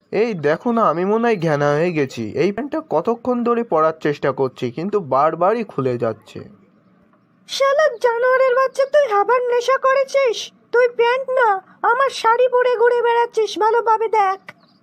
এই দেখো না, আমি মনে হয় ঘ্যানা হয়ে গেছি। এই প্যান্টটা কতক্ষণ ধরে পরার চেষ্টা করছি, কিন্তু বারবারই খুলে যাচ্ছে। শালা জানোয়ারের বাচ্চা, তুই আবার নেশা করেছিস? তুই প্যান্ট না, আমার শাড়ি পরে ঘুরে বেড়াচ্ছিস, ভালোভাবে দেখ।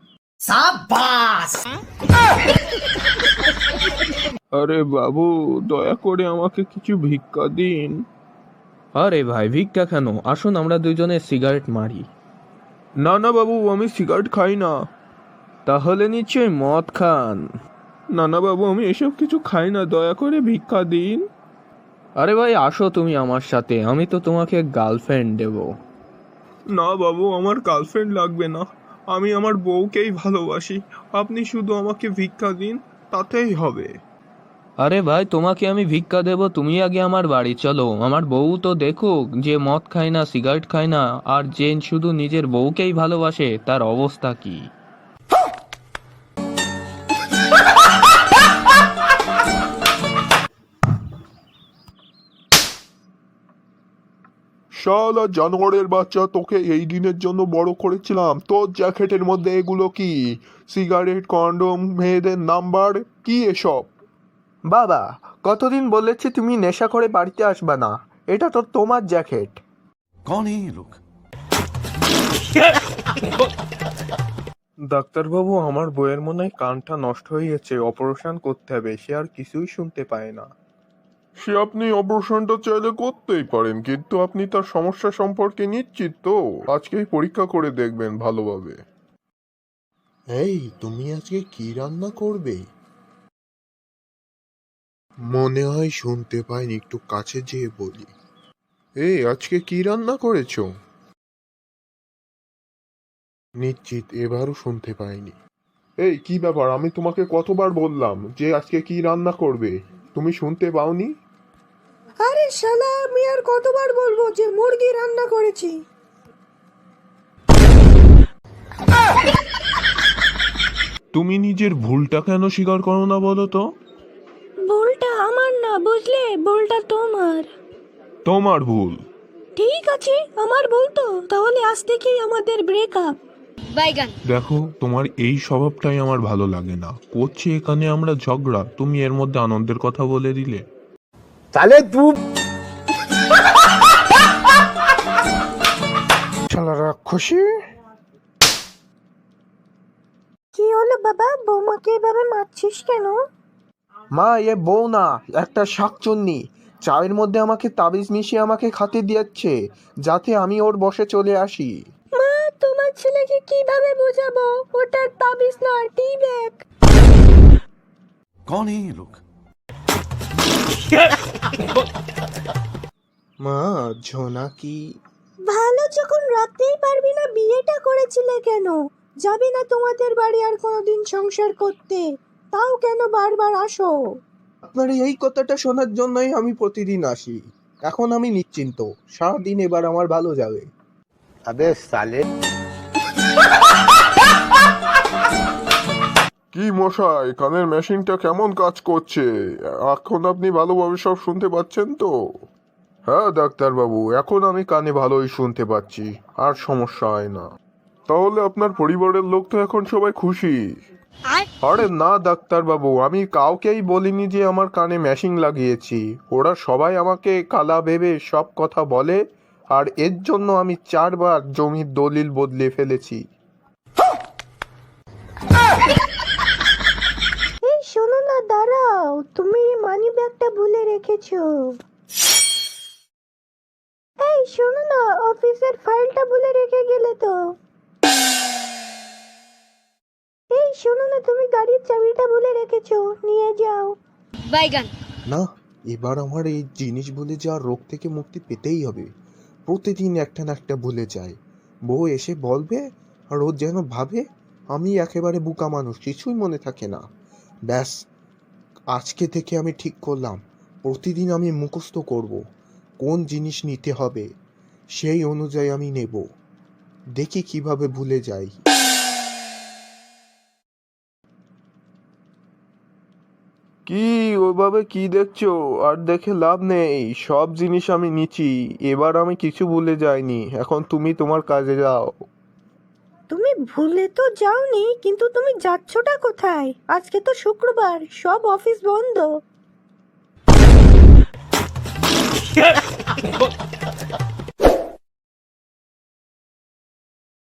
আরে বাবু, দয়া করে আমাকে কিছু ভিক্ষা দিন। আরে ভাই, ভিক্ষা কেন? আসুন আমরা দুজনে সিগারেট মারি। না না বাবু, আমি সিগারেট খাই না। তাহলে নিশ্চয়ই মদ খান। না না বাবু, আমি এসব কিছু খাই না, দয়া করে ভিক্ষা দিন। আরে ভাই আসো তুমি আমার সাথে, আমি তো তোমাকে গার্লফ্রেন্ড দেব। না বাবু, আমার গার্লফ্রেন্ড লাগবে না, আমি আমার বউকেই ভালোবাসি। আপনি শুধু আমাকে ভিক্ষা দিন, তাতেই হবে। আরে ভাই, তোমাকে আমি ভিক্ষা দেব, তুমি আগে আমার বাড়ি চলো। আমার বউ তো দেখুক, যে মদ খায় না, সিগারেট খায় না, আর যে শুধু নিজের বউকেই ভালোবাসে, তার অবস্থা কি। শালা জানোয়ারের বাচ্চা, তোকে এই দিনের জন্য বড় করেছিলাম, তোর জ্যাকেটের মধ্যে এগুলো কি? সিগারেট, কন্ডম, মেয়েদের নাম্বার, কি এসব? বাবা, কতদিন বলেছি তুমি নেশা করে বাড়িতে আসবা না। এটা তো তোমার জ্যাকেট। कौन है ये लोग? ডাক্তারবাবু, আমার বইয়ের মনে হয় কানটা নষ্ট হয়ে গেছে, অপারেশন করতে হবে, সে আর কিছুই শুনতে পায় না। সে আপনি অপারেশনটা চাইলে করতেই পারেন, কিন্তু আপনি তার সমস্যা সম্পর্কে নিশ্চিত তো? আজকেই পরীক্ষা করে দেখবেন ভালোভাবে। এই, তুমি আজকে কি রান্না করবে? মনে হয় শুনতে পাইনি, একটু কাছে যেয়ে বলি। এই, আজকে কি রান্না করেছো? নিশ্চিত এবারও শুনতে পাইনি। এই, কি ব্যাপার? আমি তোমাকে কতবার বললাম যে আজকে কি রান্না করবে, তুমি শুনতে পাওনি? আরে শালা, আমি আর কতবার বলবো যে মুরগি রান্না করেছি। তুমি নিজের ভুলটা কেন স্বীকার করো না বলো তো? ভুলটা আমার না, বুঝলে, ভুলটা তোমার। তোমার ভুল? ঠিক আছে, আমার ভুল তো, তাহলে আজ থেকেই আমাদের ব্রেকআপ। দেখো, তোমার এই স্বভাবটাই আমার ভালো লাগে না। করছি এখানে আমরা ঝগড়া, তুমি এর মধ্যে আনন্দের কথা বলে দিলে। শালা রাক্ষসী। কি হলো বাবা, বৌমাকে এভাবে মারছিস কেন? মা, এ বউ না, একটা শাকচুন্নি। চায়ের মধ্যে আমাকে তাবিজ মিশিয়ে আমাকে খাতে দিয়েছে, যাতে আমি ওর বশে চলে আসি। মা, তোমার ছেলেকে কিভাবে বোঝাবো? ওটা তাবিজ না, টি ব্যাগ। कौन है ये लोग? মা, জোনাকি। ভালো যখন রাখতেই পারবি না, বিয়েটা করেছিলে কেন? যাবে না তোমাদের বাড়ি আর কোনোদিন সংসার করতে? তাও কেন বারবার আসো? আপনার এই কথাটা শোনার জন্যই আমি প্রতিদিন আসি। এখন আমি নিশ্চিন্ত, সারাদিন এবার আমার ভালো যাবে। কি মশাই, কানের মেশিনটা কেমন কাজ করছে? এখন আপনি ভালোভাবে সব শুনতে পাচ্ছেন তো? হ্যাঁ ডাক্তারবাবু, এখন আমি কানে ভালোই শুনতে পাচ্ছি, আর সমস্যা হয় না। তাহলে আপনার পরিবারের লোক তো এখন সবাই খুশি? আরে না ডাক্তারবাবু, আমি কাউকেই বলিনি যে আমার কানে মেশিন লাগিয়েছি। ওরা সবাই আমাকে কালা ভেবে সব কথা বলে, আর এর জন্য আমি 4বার জমির দলিল বদলে ফেলেছি। এই শোনো না, দাঁড়াও, তুমি মানি ব্যাগটা ভুলে রেখেছো। এই শোনো না, অফিসের ফাইলটা ভুলে রেখে গেলে তো। এই শোনো না, তুমি গাড়ির চাবিটা ভুলে রেখেছো, নিয়ে যাও। না, এবার আমার এই জিনিস ভুলে যাওয়ার রোগ থেকে মুক্তি পেতেই হবে। প্রতিদিন একটা না একটা ভুলে যায়। বউ এসে বলবে, আর ও যেন ভাবে আমি একেবারে বোকা মানুষ, কিছুই মনে থাকে না। ব্যাস, আজকে থেকে আমি ঠিক করলাম, প্রতিদিন আমি মুখস্থ করব কোন জিনিস নিতে হবে, সেই অনুযায়ী আমি নেব। দেখি কিভাবে ভুলে যাই। কি ওইভাবে কি দেখছো? আর দেখে লাভ নেই, সব জিনিস আমি নিচ্ছি। এবার আমি কিছু ভুলে যাইনি, এখন তুমি তোমার কাজে যাও। তুমি ভুলে তো যাওনি, কিন্তু তুমি যাচ্ছটা কোথায়? আজকে তো শুক্রবার, সব অফিস বন্ধ।